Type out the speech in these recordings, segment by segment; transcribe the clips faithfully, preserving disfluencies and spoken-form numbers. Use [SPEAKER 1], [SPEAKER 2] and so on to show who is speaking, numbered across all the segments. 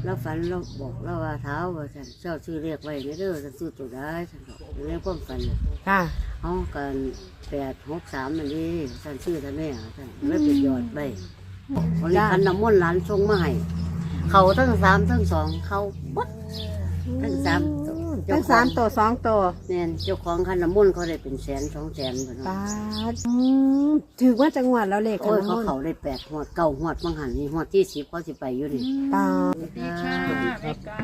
[SPEAKER 1] แล้วฝันเราบอกเราว่าเท้าว่าฉันเจ้าชื่อเรียกไว้ในเด้อฉันซื้อตัวได้ฉันบอกเรียกความฝัน
[SPEAKER 2] ค่ะ
[SPEAKER 1] เอากันแปดหกสามมันดีฉันชื่อท่านแม่ฉันเลยไปหยอดไปวันนี้คันน้ำมนต์หลานชงมาให้เขาทั้งสามทั้งสองเขาบดทั้งสาม
[SPEAKER 2] ทั้งสามตัวสองตัว
[SPEAKER 1] เนี่ยเจ้าของคันน้ำมนต์เขาได้เป็นแสนสองแสนคน
[SPEAKER 2] ปาดอืมถือว่าจังหวัดเราเลข
[SPEAKER 1] โอ้ย
[SPEAKER 2] ข
[SPEAKER 1] เขา
[SPEAKER 2] อง
[SPEAKER 1] เขาได้แปดหวดเก้าหวดบางหันนี่หวดที่สิบเขาสิไปอยู่นี่
[SPEAKER 2] ปาด
[SPEAKER 3] ดีค่ะแม่กาย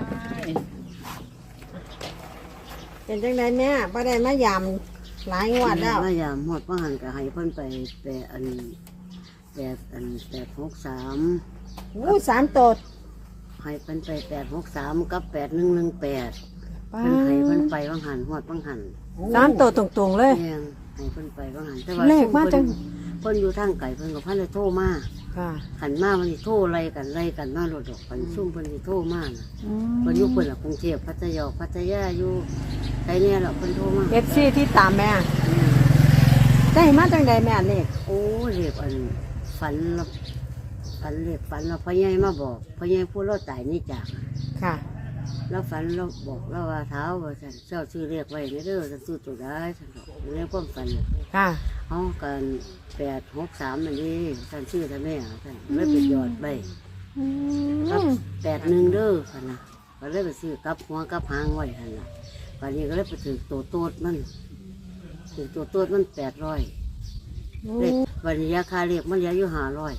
[SPEAKER 2] เป็นจังไดแม่บ่ได้มายำหลายงวดแล้ว
[SPEAKER 1] ว่ายามหวดบางหันก็ให้เพิ่นไปแปดอันแปดอันแปดหกสาม
[SPEAKER 2] อู้สามตัว
[SPEAKER 1] ให้เพิ่นไปแปดหกสามกับแปดหนึ่งหนึ่งแปด
[SPEAKER 2] ปา
[SPEAKER 1] เพิ่นให้เพิ่น
[SPEAKER 2] ด
[SPEAKER 1] ไปบางหันหวดบางหัน
[SPEAKER 2] สามตัวตรงๆเลย
[SPEAKER 1] แม่งให้เพิ่นไปบางหันแต่
[SPEAKER 2] เลขมาจัง
[SPEAKER 1] เพิ่นอยู่ทางไกลเพิ่นกับพันเลยโทรมา
[SPEAKER 2] ค่ะ
[SPEAKER 1] ขันมามันสิโทรไล่กันไล่กันมาโลดดอกขันซุ่มเพิ่นสิโทรมาน่ะ
[SPEAKER 2] อื
[SPEAKER 1] เพิ่นอยู่เพิ่นละกรุงเทพพัทยาพัทยาอยู่ไสเนี่ยล่ะเพิ่นโทรมา
[SPEAKER 2] เอฟซีที่ตามแม่ได้มาจังไดแม่เลข
[SPEAKER 1] โอ้เรียกอันฝันแล้วฝันเรียกฝันแล้วพ่อใหญ่มาบอกพ่อใหญ่พูดเราตายนี่จาก
[SPEAKER 2] ค่ะ
[SPEAKER 1] แล้วฝันเราบอกเราว่าเท้าว่าฉันเจ้าชื่อเรียกไว้ในเด้อฉันซื้อตัวได้ฉันบอกเรียกความฝัน
[SPEAKER 2] ค่ะ
[SPEAKER 1] เอากันแปดหกสามมันดีฉันชื่อท่านแม่ฉันเลยไปหยอดไป
[SPEAKER 2] อื
[SPEAKER 1] ครับ
[SPEAKER 2] ม
[SPEAKER 1] แปดหนึ่งเด้อพันนะก็เลยไปซื้อกับหัวกับหางไว้พันนะวันนี้ก็เลยไปถือตัวโตดมันถือตัวโตดมันแปดร้อยเลขวันนี้ราคาเรียกมันเหลืออยู่ห้าร้อย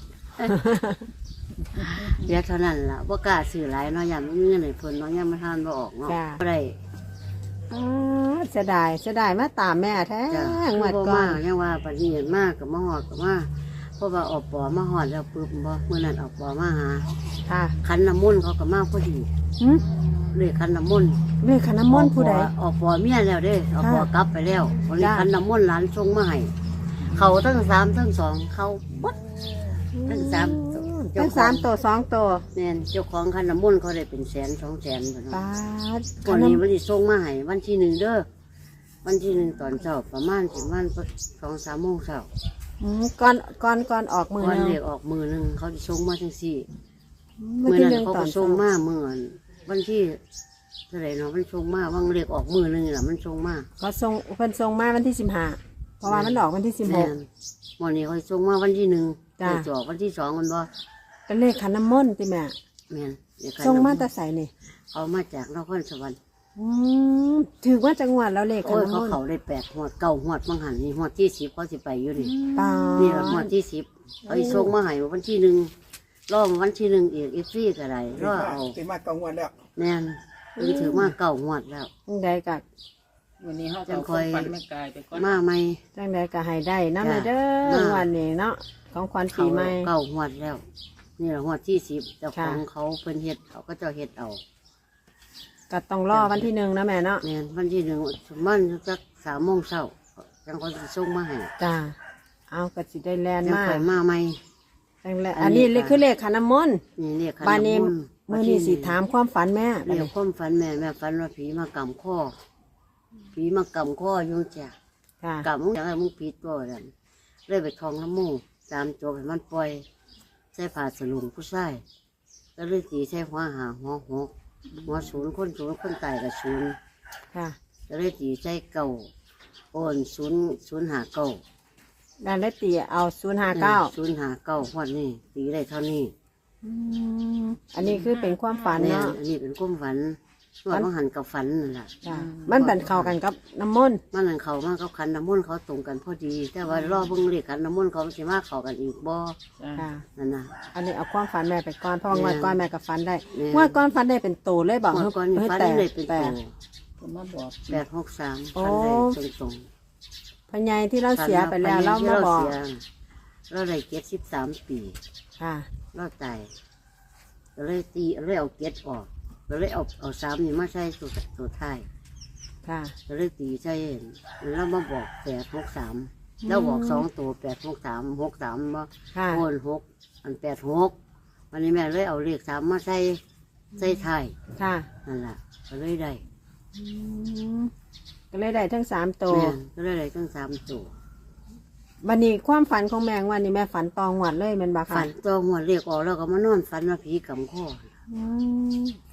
[SPEAKER 1] เหลือเท่านั้นล่ะว่ากล้าซื้อหลายเนาะยามมีเงินในเพิ่นเนาะยามมาทานบ่ออกเนาะบ่ได้
[SPEAKER 2] อ๋อเสียดายเสียดายมาตามแม่แท้
[SPEAKER 1] จ้ะ
[SPEAKER 2] งวด
[SPEAKER 1] บ่
[SPEAKER 2] ก่อ
[SPEAKER 1] มาน ยังว่าปฏิเห็นมากกับมาหอดกับมาเพราะว่าออกปอมาหอดแล้วปึ๊บบ่เมื่อนั้นออกปอมาหา
[SPEAKER 2] ค่ะ
[SPEAKER 1] คันน้ำมนต์เขาก็มาพอดี
[SPEAKER 2] หืม
[SPEAKER 1] เลยคันน้ำมนต์
[SPEAKER 2] เลขขันน้ำมนต์ผู้ใด
[SPEAKER 1] ออกปอเมียแล้วเด้ออกปอ
[SPEAKER 2] ค่ะ
[SPEAKER 1] กลับไปแล้ววันนี้
[SPEAKER 2] จ้ะ
[SPEAKER 1] คันน้ำมนต์หลานชงมาให้เขาทั้งสามทั้งสองเขาบดทั้งสาม
[SPEAKER 2] ทั้งสามตัวสองตัว
[SPEAKER 1] เนี่ยเจ้าของคันน้ำมนต์เขาได้เป็นแสนสองแสนคน
[SPEAKER 2] ปาด
[SPEAKER 1] วันนี้วันนี้ส่งมาให้วันที่หนึ่งเด้อวันที่หนึ่งตอนเช้าประมาณสิบวันสองสามโมงเช้า
[SPEAKER 2] อืมก่อนก่อนก่อนออกมือ
[SPEAKER 1] ก่อน
[SPEAKER 2] เนาะ
[SPEAKER 1] เด็กออกมือหนึ่งเขาจะส่งมาทั้งสี่
[SPEAKER 2] มือ
[SPEAKER 1] เมื่อ
[SPEAKER 2] ที่
[SPEAKER 1] นั้
[SPEAKER 2] หนึ่
[SPEAKER 1] น
[SPEAKER 2] ง
[SPEAKER 1] เขา
[SPEAKER 2] ตอ
[SPEAKER 1] ก็
[SPEAKER 2] น
[SPEAKER 1] ส่งมาเมื่อวันที่เท่าไหร่เนาะมันส่งมาวันเด็กออกมือหนึ่งแหละมันส่งมา
[SPEAKER 2] เขาส่งเพิ่นส่งมาวันที่สิบห้าเพราะว่ามันออกวันที่สิบห
[SPEAKER 1] แม่
[SPEAKER 2] ก
[SPEAKER 1] นวันนี้เขาส่งมาวันที่หนึ่ง
[SPEAKER 2] จ้ะ
[SPEAKER 1] เด็กจะออกวันที่สองมันบ่
[SPEAKER 2] เป็นเลขขันน้ำมนต์ติแม่
[SPEAKER 1] แม่นเด็ก
[SPEAKER 2] ส่งมาแต่ใส่นี่
[SPEAKER 1] เขามาจากนครสวรรค์
[SPEAKER 2] อืมถือว่าจังหวัดเราเลขขั
[SPEAKER 1] โอ้
[SPEAKER 2] น
[SPEAKER 1] ย
[SPEAKER 2] น้ำ
[SPEAKER 1] เขา
[SPEAKER 2] มนต์
[SPEAKER 1] เขาได้แปดหัวดเก้าหัวดบางหันนี่หัวดที่สิบเขาสิไปอยู่นี่
[SPEAKER 2] ปา
[SPEAKER 1] นี่ละหัวด
[SPEAKER 2] ด
[SPEAKER 1] ที่สิบเขาสิส่งมาให้วันที่หนึ่งรอบวันที่หนึ่งอีกอีกซี่ก็ได้รอเอา
[SPEAKER 4] ตีมาเกางวันแล้ว
[SPEAKER 1] แม่นเพิ่งถือมาเก้าหัวดแล้ว
[SPEAKER 2] จังใดกะ
[SPEAKER 3] วันนี้เขา
[SPEAKER 1] จั
[SPEAKER 3] ก็
[SPEAKER 1] งค
[SPEAKER 3] ค
[SPEAKER 1] อ
[SPEAKER 3] อย ยฝันแม่กายไปก่อน
[SPEAKER 1] มาไหม
[SPEAKER 2] จังใดกะให้ได้น้ำ
[SPEAKER 1] จ้ะ
[SPEAKER 2] เลยเด้อ
[SPEAKER 1] มา
[SPEAKER 2] วันนี้เนาะของขวัญ
[SPEAKER 1] เขา
[SPEAKER 2] ปีใหม่
[SPEAKER 1] เก้าหัวดแล้ว นี่แหละหัวดที่สิบเจ้าของ
[SPEAKER 2] ค่ะ
[SPEAKER 1] เขาเพิ่นเฮ็ดเขาก็เจะเฮ็ดเอา
[SPEAKER 2] ก็ต้องรอวันที่หนึ่งนะแม่เนาะ
[SPEAKER 1] เนี่ยวันที่หนึ่งมันจักสามโมงเช้าจังเขาจะส่งมาให้
[SPEAKER 2] จ้าเอากระสิได้แลน
[SPEAKER 1] จัง
[SPEAKER 2] มา
[SPEAKER 1] คอยมาไหม
[SPEAKER 2] จังแล
[SPEAKER 1] อั
[SPEAKER 2] อัน
[SPEAKER 1] นนี้
[SPEAKER 2] นี้เลขคือเลขขันน้ำมนต์
[SPEAKER 1] นี่เรียกขัน
[SPEAKER 2] บานนี้
[SPEAKER 1] น้ำมนต์
[SPEAKER 2] มื่อนี้สิถามความฝันแม่บัด
[SPEAKER 1] เรีย
[SPEAKER 2] นี้
[SPEAKER 1] กความฝันแม่แม่ฝันว่าผีมากำข้อผีมากำข้ออยู่จ้ะ
[SPEAKER 2] ค่ะ
[SPEAKER 1] กำมึงอยากให้มึงผีตัวนั่นเลยไปทองน้ำมูกตามตัวให้มันปล่อยใส่ผ้าสลุงผู้ชายก็เลยตีใส่หัวหาหัวหกหัวศูนย์คนศูนย์คนตายกับศูนย์
[SPEAKER 2] ค่ะ
[SPEAKER 1] ก็เลยตีใส่เก่าโอนศูนย์ศูนย์หาเก่า
[SPEAKER 2] ด้านเลขตีเอาศูนย์ห้าเก้า
[SPEAKER 1] ศูนย์หาเก้าหัวนี่ตีได้เท่านี้
[SPEAKER 2] อันนี้คือเป็นความฝัน
[SPEAKER 1] เนี่ย
[SPEAKER 2] เนาะ
[SPEAKER 1] อันนี้เป็นความฝันว่ามันหันกับฝันนั่นแหละ
[SPEAKER 2] จ้ะมันเป็นเข้ากันกับน้ำมนต์
[SPEAKER 1] มันหันเขามากเขาขันน้ำมนต์เขาตรงกันพอดี แต่ว่ารอเบิ่งเลขขันน้ำมนต์เขาสิมาเข้ากันอีกบ่
[SPEAKER 3] จ้ะ
[SPEAKER 2] ค่ะ
[SPEAKER 1] นั่นน่ะ
[SPEAKER 2] อันนี้เอาความฝันแม่ไปก่อนเพราะว่า
[SPEAKER 1] แม่
[SPEAKER 2] งวดก่อนแม่กับฝันได้
[SPEAKER 1] แม่
[SPEAKER 2] งวดก่อนฝันได้เป็นโตเลยบอก
[SPEAKER 1] เมื่อก่อนนี่
[SPEAKER 2] เฮ้ย
[SPEAKER 1] ฝัน
[SPEAKER 2] แต่
[SPEAKER 1] เลยเป็น
[SPEAKER 2] แต่
[SPEAKER 1] ตัว
[SPEAKER 3] ผมมาบอก
[SPEAKER 1] แปดหกสาม
[SPEAKER 2] โอ้
[SPEAKER 1] ฝันได้ตรง
[SPEAKER 2] พญายที่เรา
[SPEAKER 1] ๆ
[SPEAKER 2] เสียไปแล้ว
[SPEAKER 1] ฝั
[SPEAKER 2] เรา
[SPEAKER 1] น
[SPEAKER 2] มา
[SPEAKER 1] ที่
[SPEAKER 2] บอก
[SPEAKER 1] เสียเราได้เจ็ดสิบสามปี
[SPEAKER 2] ค่ะ
[SPEAKER 1] เราตายก็เลยตีเลยเอาเจ็ดออกก็เลยเอาเอาสามนี่มาใส่ตัวตัวท้าย
[SPEAKER 2] ค่ะ
[SPEAKER 1] ก็เลยตีใช่แล้วมาบอกแปดหกสามแล้วบอกสองตัวแปดหกสามหกสามมา
[SPEAKER 2] ค่ะ
[SPEAKER 1] โอนหกอันแปดหกวันนี้แม่เลยเอาเลขสามมาใส่ใส่ไทาย
[SPEAKER 2] ค่ะ
[SPEAKER 1] นั่นแหละก็เลยได้
[SPEAKER 2] อืมก็เลยได้ทั้งสามตัว
[SPEAKER 1] แม่ก็เลยได้ทั้งสามตัว
[SPEAKER 2] วันนี้ความฝันของแมงวันนี้แม่ฝันตองหวัดเลยแมันบาค่ะ
[SPEAKER 1] ฝันตัวหัวเลขออกแล้วก็มานอนฝันว่าผีกำข้อ
[SPEAKER 2] อืม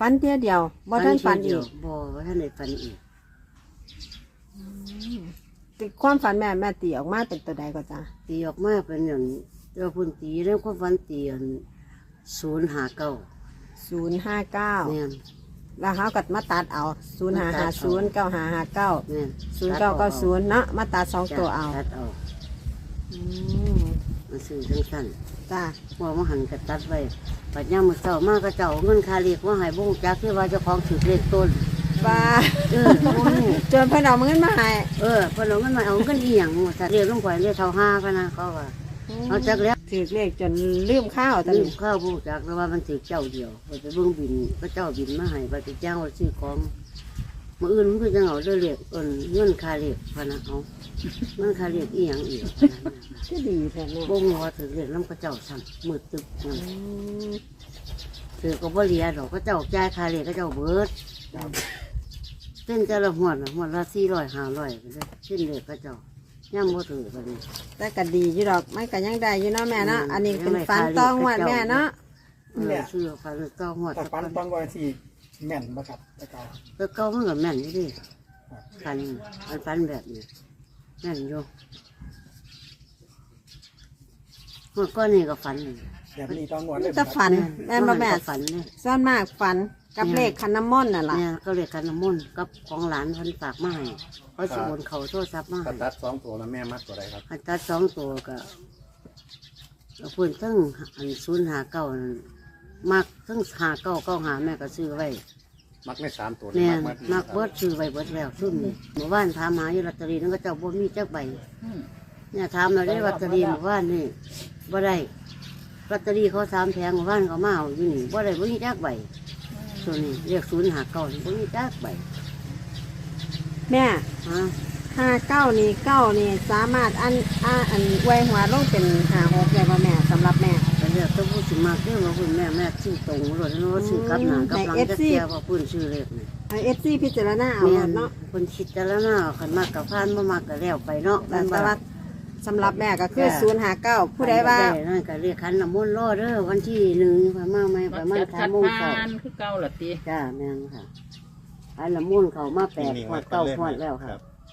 [SPEAKER 2] ฝันเที่ยเดียวบ่ทันฝันอีก
[SPEAKER 1] บ่ว่าท่านได้ฝันอีก
[SPEAKER 2] ติความฝันแม่แม่ตีออกมาเป็นตัวใดก็จ้า
[SPEAKER 1] ตีออกมาเป็นอย่างเจ้าพุ่นตีแล้วความฝันตีอันศูนย์หาเก้า
[SPEAKER 2] ศูนย์ห้าเก้า
[SPEAKER 1] แม่น
[SPEAKER 2] แล้วเขากัดมาตัดเอาศูนย์ห้าห้าศูนย์เก้าห้าห้าเก้า
[SPEAKER 1] แม่น
[SPEAKER 2] ศูนย์เก้าเก้าศูนย์เนาะมาตัดสองตัวเอา
[SPEAKER 1] ตัดเอา
[SPEAKER 2] อืม
[SPEAKER 1] มาซื้อจังสั้น
[SPEAKER 2] จ้า
[SPEAKER 1] ว่ามาหันกระตัดไว้ปัดย่ามมือเจ้ามากระเจ้าเอาเงินคาเรียกว่าใหายบุ้งจักที่ว่าเจ้าของถือเลขต้น
[SPEAKER 2] ป้า
[SPEAKER 1] เออบ่รู้
[SPEAKER 2] จนเพิ่นเอาเงินมาให้
[SPEAKER 1] เออพอเราเงินมาเอาเงินอีหยังว่าสัตว์เรียกลงไปเรียกเท่าห้าพะนะเขาว่าเอาจักแล้ว
[SPEAKER 2] ถือเลขจนลืมข้าวตอน
[SPEAKER 1] ลืม
[SPEAKER 2] นี้
[SPEAKER 1] ข้าวบุ้งจักแล้วว่ามันถือเจ้าเดียวไปไปเบิ้งบินพระเจ้าบินมาให้ไปไปจ้างว่าซื้อของมื่ออื่นมันคือจังเอาเด้อเรียกเอิ้นเงินคาเรียกพะนะเอาเงินคาเรียกอีหยังอีกพะนะ
[SPEAKER 2] ก็ดีแท้แม่
[SPEAKER 1] บ่งว่าถือเรียกน้ำกระเจ้าสั่นมืดตึบนั่น
[SPEAKER 2] อืม
[SPEAKER 1] ถือก็บ่เหลียดอกกระเจ้าจ่ายคาเรียกกระเจ้าเบิดเส้นแต่ละหัวดน่ะหัวดละสี่ร้อยห้าร้อยไปเลยเส้นเรียกกระเจ้าย่ำบ่ถือแบบนี้
[SPEAKER 2] แต่ก็ดีอยู่ดอกมันก็ยังได้อยู่เนาะแม่เนาะอันนี้เป็นฝันต้องวัดแม่เนาะ
[SPEAKER 1] เออซื้อฟันเก้าหัวด
[SPEAKER 4] แต่ฟันต้องไว้ที่แม่นบ่ครับแต่เก่า
[SPEAKER 1] แล้วเก้ามันก็แม่นอยู่ดิฟันมันฟันแบบนี้แม่นอยู่เมื่อก้อนนี่ก็ฟันนี่
[SPEAKER 4] แบบนี้ต้องงวดเลย
[SPEAKER 2] จะฝันแม่บ่แม่
[SPEAKER 1] ก็ฝันเนี่ย
[SPEAKER 2] ส่วนมากฝันกับเลขคันน้ำมนต์น่ะล่ะ
[SPEAKER 1] เนี่ยก็เรียกกันน้ำมนต์กับของหลานเพันฝากมาให้เขาสิโอนเขาโทรศัพท์มา
[SPEAKER 5] ถ้า
[SPEAKER 1] ให้
[SPEAKER 5] ตัดสองตัวแล้วแม่มัดตัวใดครับ
[SPEAKER 1] อันตัดสองตัวก็เอาเพิ่นทั้งอันศูนย์หาเก้านั่นมักทั้งหาเก้าเก้าหาแม่ก็ซื้อไว้
[SPEAKER 5] มักในสามตัว
[SPEAKER 1] เนี่ย
[SPEAKER 5] มัก
[SPEAKER 1] มักเบิดซื้อไว้เบิดแล้วซุ่มนี่เมื่อวานถามหาอยู่ลอตเตอรี่นั่นก็เจ้าบ่มีจักใบ
[SPEAKER 3] อืม
[SPEAKER 1] เนี่ยถามเราได้ลอตเตอรี่เมื่อวานนี่บ่ได้ลอตเตอรี่เขาสามแผงเมื่อวานเขามาเอาอยู่นี่บ่ได้บ่มีจักใบตัวนี้เรียกศูนย์หาเก้านี่บ่มีจักใบ
[SPEAKER 2] แม่
[SPEAKER 1] ฮะ
[SPEAKER 2] ห้าเก้านี่เก้านี่สามารถอันอ่าอันไว้หัวลงเป็นห้าหกได้ป่ะแม่สำหรับแม่
[SPEAKER 1] แต่เรียกต้องพูดสิมากเด้อว่าคุณแม่แม่ซื้อตรงรถนะว่าซื้อกลับหน้ากลับหลังจะเสียว่าคุณซื้อเลขนี่
[SPEAKER 2] ไอเอฟซีพิจารณาเอา
[SPEAKER 1] แม่
[SPEAKER 2] เนาะ
[SPEAKER 1] คนคิดแต่ละหน้าคันมากกับพานบ่มากกับแล้วไปเนาะ
[SPEAKER 2] แต่สำหรับสำหรับแม่ก็คือศูนย์ห้าเก้าผู้ใดว่า
[SPEAKER 1] นั่นก็เรียกคันน้ำมนต์รอเด้อวันที่หนึ่งพม่าไม่พ
[SPEAKER 3] มัก
[SPEAKER 1] ม่า
[SPEAKER 3] จะ
[SPEAKER 1] ทา
[SPEAKER 3] คัด
[SPEAKER 1] โมง
[SPEAKER 3] ผ่า
[SPEAKER 1] เช้าน
[SPEAKER 3] คือเก่าล่ะติ
[SPEAKER 1] จ้าแม่นค่ะคันน้ำมนต์เขามาแปดขวดเก้าขวดแล้วค่ะ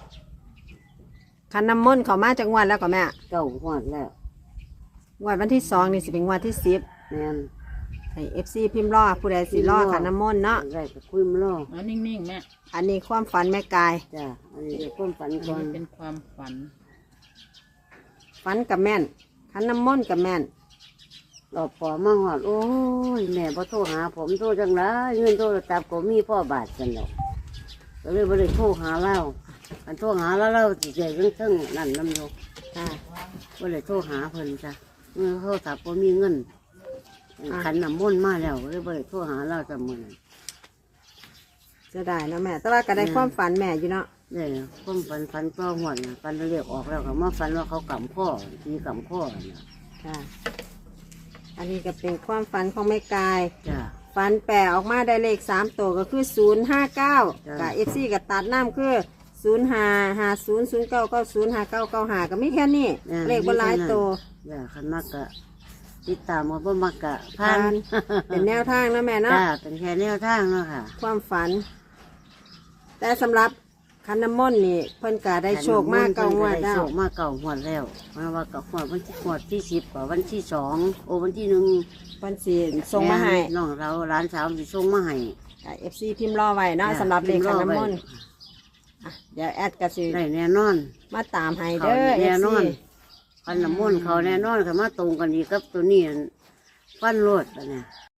[SPEAKER 2] คันน้ำมนต์เขามาจากงวันแล้วก็แม่
[SPEAKER 1] เก้าขวดแล้ว
[SPEAKER 2] งวันวันที่สองนี่สิเป็นงวันที่สิบ
[SPEAKER 1] แม่น
[SPEAKER 2] ให้เอฟซีพิมพ์รอผู้ใดสิรอคันน้ำมนต์เนาะ
[SPEAKER 1] ได้ก็คุยมารอ
[SPEAKER 3] เอานิ่งๆแม่
[SPEAKER 2] อันนี้ความฝันแม่กาย
[SPEAKER 1] จ้าอันนี้เรียกความฝัน
[SPEAKER 3] อัน
[SPEAKER 1] ก่อน
[SPEAKER 3] นี้เป็นความฝัน
[SPEAKER 2] ฝันกับแม่นคันน้ำมนต์กับแม่น
[SPEAKER 1] หลอบปอมาหอดโอ้ยแม่พอโทรหาผมโทรจังไรเงินโทรศัพท์ก็มีพ่อบาทกันแล้วก็เลยบ่ได้โทรหาเล่าอันโทรหาแล้วเราจิใจเรื่องเทิงนั่นน้ำโย
[SPEAKER 2] ค่ะ
[SPEAKER 1] บ่ได้โทรหาเพิ่นจ้ะเงินโทรศัพท์ก็มีเงินขันน้ำมนต์มาแล้วก็เลยบ่ได้โทรหาเราจำมือนั้น
[SPEAKER 2] จะได้เนาะแม่ แต่ว่าก็ได้ความฝันแม่อยู่เนาะ
[SPEAKER 1] ได้ความฝันฝันก็หวดนะฝันเรียกออกแล้วก็มาฝันว่าเขากำข้อตีกำข้อน่ะ
[SPEAKER 2] ค่ะ อันนี้ก็เป็นความฝันของแม่กาย
[SPEAKER 1] จ้ะ
[SPEAKER 2] ฝันแปลออกมาได้เลขสามตัวก็คือศูนย์ห้าเก้า
[SPEAKER 1] จ้ะ
[SPEAKER 2] กับเอฟซีกับตัดน้ำคือศูนย์ห้าห้าศูนย์ศูนย์เก้าเก้าศูนย์ห้าเก้าเก้าห้าก็ไม่แค่นี้ เลขบนหลายตัว
[SPEAKER 1] จ้ะขันมากกะติดตามมาบ่มักกะผ่า
[SPEAKER 2] ผ่าน น เป็นแนวทางนะแม่เนาะ
[SPEAKER 1] จ้าเป็นแค่แนวทางเนาะค่ะ
[SPEAKER 2] ความฝัน แต่สำหรับคันน้ำมนต์นี่เพิ่นกาได้โชคมากเก่างวด
[SPEAKER 1] ได้
[SPEAKER 2] แล้
[SPEAKER 1] โช
[SPEAKER 2] ว
[SPEAKER 1] คมากเก่าหวดแล้วมาว่าเก่าหวดวันที่หวดที่สิบกว่าวันที่สองโอวันที่หนึ่ง
[SPEAKER 2] เพิ่นสิส่งมาให้
[SPEAKER 1] น้องเราร้านสาวสิส่งมาให้
[SPEAKER 2] เอฟซีพิมพ์รอไว้เนาะสำหรับเลขคันน้ำมนต์อ่ะเดี๋ยวแอดก็สิ
[SPEAKER 1] ได้แน่นอน
[SPEAKER 2] มาตามให้
[SPEAKER 1] เขา
[SPEAKER 2] เด้อเอ
[SPEAKER 1] แน่
[SPEAKER 2] ฟ
[SPEAKER 1] นอ
[SPEAKER 2] ซี
[SPEAKER 1] นคันน้ำมนต์เขาแน่นอนเขามาตรงกันดีกับตัวนี้ฟันโลดปะเนี่ย